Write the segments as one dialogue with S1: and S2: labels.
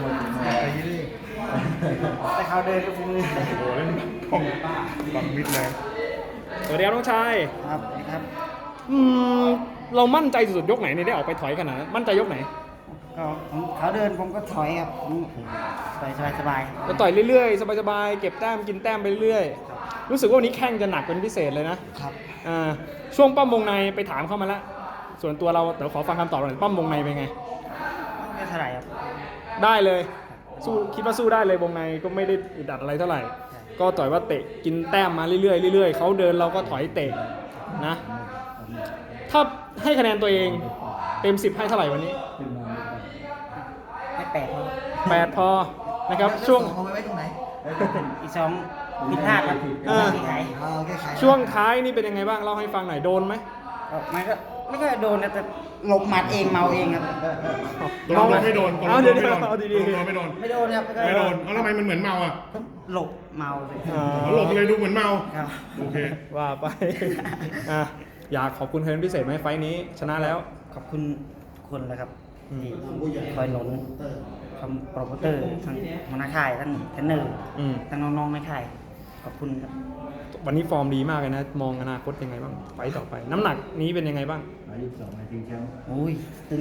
S1: อะไรยี่นี่
S2: แต่เขาเดินก็มือ
S1: โอ้โหเล่นท่องบังมิดเลย
S3: สวัสดีครับน้องชาย
S2: ครับครับ
S3: เรามั่นใจสุดๆยกไหนเนี่ยได้ออกไปถอยขนาดนั้นมั่นใจยกไหน
S2: ก็เขาเดินผมก็ถอยครับต่อยสบาย
S3: ก็ต่อยเรื่อยๆสบายๆเก็บแต้มกินแต้มไปเรื่อยๆรู้สึกว่าวันนี้แข้งจะหนักเป็นพิเศษเลยนะครับ ช่วงปั้มวงในไปถามเข้ามาแล้วส่วนตัวเราเดี๋ยวขอฟังคำตอบหน่อยปั้มวงในเป็นไง
S2: ไม่เท่าไหร่ครับ
S3: ได้เลยสู้คิดว่าสู้ได้เลยวงในก็ไม่ได้อึดอัดอะไรเท่าไหร่ ก็ต่อยว่าเตะกินแต้มมาเรื่อยๆเรื่อยๆเขาเดินเราก็ถอยเตะนะถ้าให้คะแนนตัวเองเต็ม 10 ให้เท่าไหร่วันนี้
S2: ไม่แปลกครับ
S3: 8 พอนะครับช่วง
S1: เอาไว้ตรงไหน
S2: อีกสองผิดพลาดครับ
S3: อ่า
S2: ที่ไหน
S1: โอเคขาย
S3: ช่วงท้ายนี่เป็นยังไงบ้างเล่าให้ฟังหน่อยโดนไหม
S2: มันก็ไม่ค่อยโดนนะแต่หลบหมัดเองเมาเองครับ
S1: โดนไม่โดน
S3: เอาเดี๋ยวเอาดี
S1: โดนไม่โดน
S2: ไม่โดนครับ
S1: ไม่โดนเอาทำไมมันเหมือนเมาอ่ะ
S2: หลบเมาเลย
S1: หลบเลยดูเหมือนเมา
S2: ครับ
S1: โอเค
S3: ว่าไปอ่ะอยากขอบคุณใครเป็นพิเศษไหมไฟล์นี้ชนะแล้ว
S2: ขอบคุณคนเลยครับ
S3: อืม
S2: ที่คอยหนุนคำโปรโมเตอร์ทั้งหัวหน้าค่ายทั้งเทรนเนอร์
S3: อืม
S2: ทั้งน้องๆในค่ายขอบคุณครับ
S3: วันนี้ฟอร์มดีมากเลยนะ มองอนาคตยังไงบ้างไฟต์ต่อไป น้ำหนักนี้เป็นยังไงบ้าง
S2: โอ้ยตึง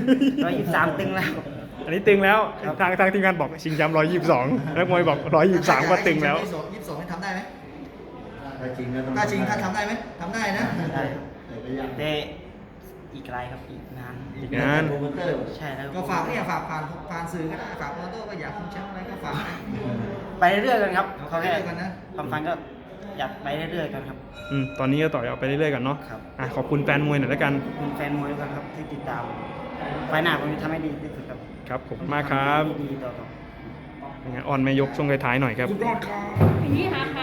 S2: 123ตึงแล้ว
S3: อันนี้ตึงแล้ว
S2: ครับ
S3: ทางทีมงานบอกชิงแชมป์122นักมวยบอก123ก็ตึงแล้ว
S1: 22ให้ทำได้ไหม
S4: ถ้าจริงก็ต้อง
S1: ถ้าจริงถ้าทำได้ไหมทำได้นะ
S2: ได้แต่อีกไกลครับอีกนาน
S3: อีกนาน
S4: โปรโมเตอร์
S2: ใช่แล้ว
S1: ก็ฝากเนี่ยฝากผ่านสื่อก็ได้ฝากโมโต้ก็อยากคุมแชมป์อะไรก็ฝากนะ
S2: ไปเรื่อยๆกันครับเขาแค่
S1: ไปเรื่อยๆกันนะ
S2: ความฝันก็อยากไปเรื่อยๆกันครับ
S3: ตอนนี้ก็ต่อยเอาไปเรื่อยๆกันเนาะ
S2: ครับ
S3: อ่ะขอบคุณแฟนมวยหน่อยแล้วกัน
S2: ขอบคุณแฟนมวยด้วยกันครับที่ติดตามไฟล์หน้าผมจะทำให้ดีที่สุดครับ
S3: ครับผมมากครับ
S2: ทำให้ดีต่อ
S3: ยังไงออนแม่ยกช่วงท้ายๆหน่อยครับ
S1: สุดยอดครับ
S5: อย่างนี้ค่ะ